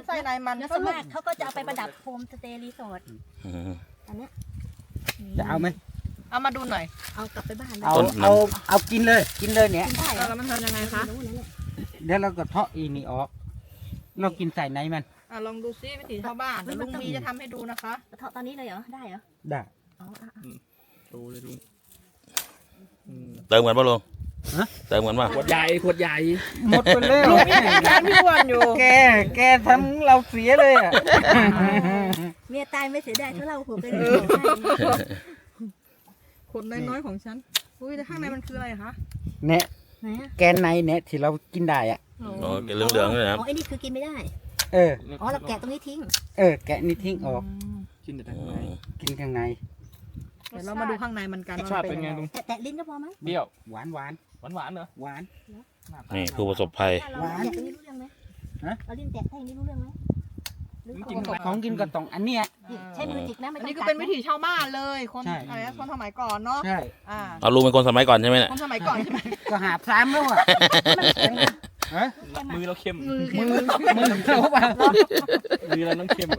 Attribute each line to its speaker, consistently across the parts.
Speaker 1: ไส้ในมัน
Speaker 2: แล้วส่วนมากเขาก็จะเอาไปประดับโฮมสเตย์รีสอร์ทอันเนี้ย
Speaker 3: จะเอาไหม
Speaker 1: เอามาดูหน่อย
Speaker 2: เอากลับไปบ้าน
Speaker 3: เอากินเลยเนี่ย
Speaker 2: กินได้เหรอ
Speaker 1: แล้วมันทำยังไงคะ
Speaker 2: ไม่รู้นะเนี่ย
Speaker 3: เดี๋ยวเราก็เทาะอีนี่ออกเรากินใส่ในมัน
Speaker 1: ลองดูซิวิถีชาวบ้านเดี๋ยวลุงมีจะทำให้ดูนะคะ
Speaker 2: เทาะตอนนี้เลยเหรอได้เหรอ
Speaker 3: ได้
Speaker 2: อ๋ออ่ะ
Speaker 4: ดูเลยดู
Speaker 5: เติมเหมือนป่ะลุง
Speaker 3: ฮะ
Speaker 5: เติมเหมือนป่ะ
Speaker 4: ขวดใหญ่ขวดใหญ่
Speaker 3: หมดไปแล้ว
Speaker 1: ลุงมีแทนพี่อ้วนอยู่
Speaker 3: แกทำเราเสียเลยอ่ะ
Speaker 2: เมียตายไม่เสียดายเท่าเราหัวไปเลย
Speaker 1: คนน้อยๆของฉันอุ้ยแต่ข้างในมันคืออะไรคะ
Speaker 3: เนี่ย
Speaker 2: ไหนอะ
Speaker 3: แกนในเนี่ยที่เรากินได้อ่ะ
Speaker 5: โอ้เหลืองๆเลยนะครับ
Speaker 2: อ๋อไอ้นี่คือกินไม่ได้
Speaker 3: เออ
Speaker 2: อ๋อเราแกะตรงนี้ทิ้ง
Speaker 3: แกะนี่ทิ้งออก
Speaker 4: กินแต่ข้างใน
Speaker 3: กินข้างใน
Speaker 1: เดี๋ยวเรามาดูข้างในมันกัน
Speaker 4: รสชาติเป็นไงลุง
Speaker 2: แตะลิ้นก็พอมั้ง
Speaker 4: เปรี้ยว
Speaker 3: หวาน
Speaker 4: หวานหวานเหรอ
Speaker 3: หวาน
Speaker 5: นี่ผู้ประสบภัย
Speaker 2: เราแตะตรงนี้รู้เรื่องไหม
Speaker 3: ฮะ
Speaker 2: เราลิ้นแตะให้อย่างนี้รู้เรื่องไหมหรือ
Speaker 4: จริง
Speaker 3: ของกินก็ต้องอันเนี้ย
Speaker 2: ใช้มือจิกนะไม่
Speaker 1: อัน
Speaker 2: ต้อง
Speaker 1: นี้คือเป็นวิถีชาวบ้านเลยคน
Speaker 3: ใช่
Speaker 1: อะไรนะคนสมัยก่อนเนาะ
Speaker 3: ใช่
Speaker 5: เอาลุงเป็นคนสมัยก่อนใช่ไหมเนี่ย
Speaker 1: คนสมัยก่อนใช่ไหม
Speaker 3: ก็หาซ้ำแล้วอ่ะฮะ
Speaker 4: มือเราเค็ม
Speaker 1: มือ
Speaker 3: มือเราเปล่า
Speaker 4: มือเราต้องเค็ม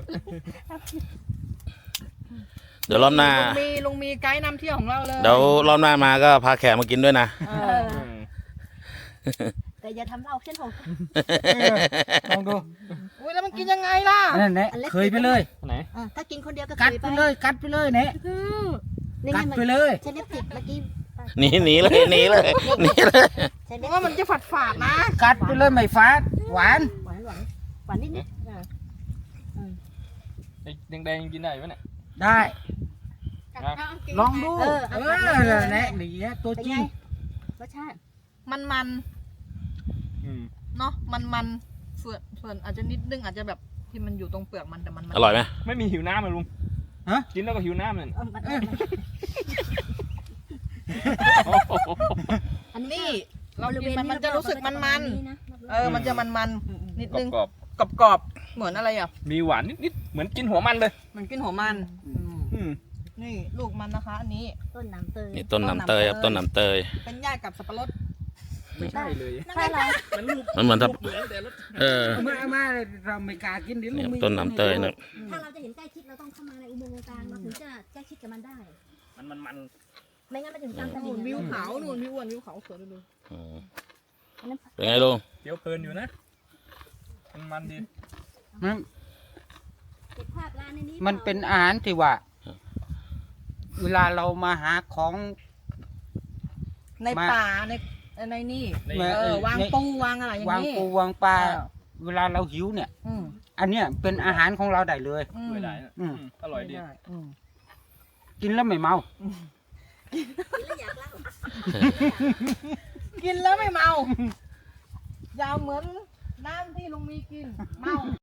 Speaker 5: เดี๋ยวรอบหน้า
Speaker 1: ลุงมีไกด์นำเที่ยวของเราเลย
Speaker 5: เดี๋ยวรอบหน้ามาก็พาแขกมากินด้วยนะ
Speaker 2: แต่อย่าทำเราเช่นผม
Speaker 3: ลองดู
Speaker 1: อุ้ยแล้วมันกินยังไงล่ะ
Speaker 3: นั่นแหละเคยไปเลย
Speaker 4: ไหน
Speaker 2: ถ้ากินคนเดียวก็
Speaker 3: กัด
Speaker 2: เคย
Speaker 3: ไป
Speaker 2: ไป
Speaker 3: เลยกัดไปเลยเนี่ย
Speaker 2: นี่
Speaker 3: กั
Speaker 2: ไง
Speaker 3: ด
Speaker 2: มัน
Speaker 3: ไปเลย
Speaker 2: ใช้เล็บจิกเมื่อกี้
Speaker 5: หนีเลยหนีเลย
Speaker 2: ใช้
Speaker 1: เพ
Speaker 2: เล็บ
Speaker 1: ราะว่ามันจะฝาดๆนะ
Speaker 3: กัดไปเลยไม่ฟาดหวาน
Speaker 2: หวานหวานนิดนิด
Speaker 4: แดงๆกินได้ไหมเนี่ย
Speaker 3: ได้ ลองดู
Speaker 2: เออ
Speaker 3: เนี่ยนี่ตัว
Speaker 2: เป็น
Speaker 3: จริ
Speaker 2: ไง
Speaker 3: ง
Speaker 2: รสชาติ
Speaker 1: มัน
Speaker 4: อืม
Speaker 1: เนาะมันส่วนอาจจะนิดนึงอาจจะแบบที่มันอยู่ตรงเปลือกมันแต่มัน
Speaker 5: อร่อยไหม
Speaker 4: ไม่มีหิวน้ำเลยลุง
Speaker 3: ฮะ
Speaker 4: กินแล้วก็หิวน้ำเลย
Speaker 2: อันนี้
Speaker 1: นี่เรา
Speaker 2: บริเว
Speaker 1: กิน
Speaker 2: ณ
Speaker 1: มันจะรู้สึกมันมันจะมันนิดนึง
Speaker 4: กรอบ
Speaker 1: กรอบๆเหมือนอะไรอ่ะ
Speaker 4: ๆมีหวานนิดๆเหมือนกินหัวมันเลย
Speaker 1: มันกินหัวมัน
Speaker 4: อืม
Speaker 1: นี่ลูกมันนะคะ อันนี้
Speaker 2: ต้นน้ำเตย
Speaker 5: นี่ต้นน้ำเตยครับต้นน้ำเตย
Speaker 1: เป็นญาติกับสับปะรด
Speaker 4: ไม่ใช่เลย
Speaker 2: ถ้าเรา
Speaker 4: มันรูป
Speaker 5: มันเหมือนทับ
Speaker 4: เหมือนแต่รส
Speaker 3: มาเราไม่กล้ากินดิ
Speaker 5: เนี่ยต้นน้ำเตยนะ
Speaker 2: ถ้าเราจะเห็นใกล้ชิดเราต้องเข้ามาในอุโมงค์กลางเราถึงจะใกล้ชิดกับมันได้
Speaker 4: มัน
Speaker 2: ไม่งั้นมันถึงตามต
Speaker 1: นู่
Speaker 2: ลิ่
Speaker 1: น
Speaker 2: ง
Speaker 1: วิวเขานู่นวิวอ้วนวิวเขาสวยดู
Speaker 5: อืม
Speaker 2: อันนั้น
Speaker 5: เป็นไงลุง
Speaker 4: เคี้ยวเพลินอยู่นะมันดี
Speaker 2: เก็บภาพร้านในนี้
Speaker 3: มันเป็นอาหารที่ว่า เวลาเรามาหาของ
Speaker 1: ในป่าในนี่
Speaker 4: ใน
Speaker 1: วางปูวางอะไรอย่าง
Speaker 3: วาง
Speaker 1: นี้
Speaker 3: ปูวางปลาเวลาเราหิวเนี่ย
Speaker 1: อืม
Speaker 3: อันเนี้ยเป็นอาหารของเราได้เลย
Speaker 4: ด้วยได้นะอร่อยดี
Speaker 3: กินแล้วไม่เมา
Speaker 2: แล้วอยากเล่า
Speaker 1: กินแล้วไม่เมา ยาวเหมือนน้ำที่ลุงมีกินเมา